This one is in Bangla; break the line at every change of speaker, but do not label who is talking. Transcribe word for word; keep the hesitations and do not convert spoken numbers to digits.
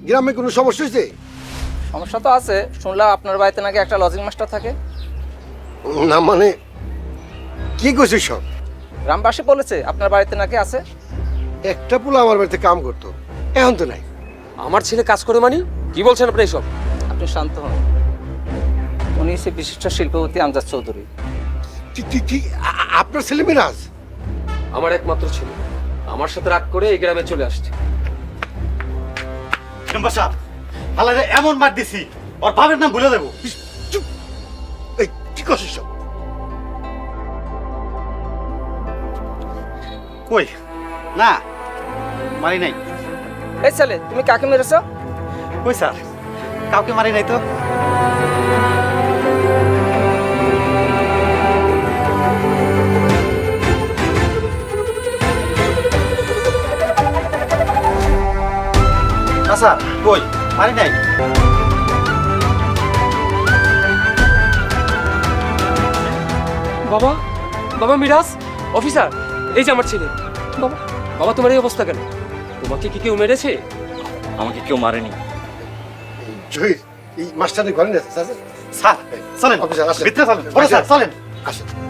গ্রামে কোনো সমস্যা হয়েছে?
সমস্যা তো আছে, শুনলাম আপনার বাড়িতে নাকি একটা লজিং মাস্টার থাকে।
না মানে কি কইছিস সব?
গ্রামবাসী বলেছে আপনার বাড়িতে নাকি আছে।
একটা পোলা আমার বাড়িতে কাম করতো, এখন তো নাই।
আমার ছেলে কাজ করে মানে কি বলছেন আপনি এসব?
আপনি শান্ত হন। উনি সে বিশিষ্ট শিল্পপতি আমজাদ চৌধুরী।
কি- কি- কি আ- আ- আপনার ছেলে মিরাজ?
আমার একমাত্র ছেলে আমার সাথে রাগ করে এই গ্রামে চলে আসছে।
মেম্বার সাহেব, হালারে এমন মার দিছি ওর বাবার নাম ভুলে দেবো।
চুপ! এই কি করছিস সব?
কই না, মারি নাই।
এই ছেলে, তুমি কাকে মেরেছো?
কই স্যার, কাউকে মারি নাই তো। না স্যার, কই মারি নাই।
বাবা, বাবা মিরাজ, অফিসার, এই যে আমার ছেলে। বাবা, বাবা তোমার এই অবস্থা কেন? তোমাকে কি কেউ মেরেছে?
আমাকে কেউ মারেনি
জহির, এই মাস্টারের ঘরে নিয়ে আসছে,
স্যার। চলেন
অফিসার, আসেন।
ভিতরে চলেন। বড় স্যার চলেন।
আসেন।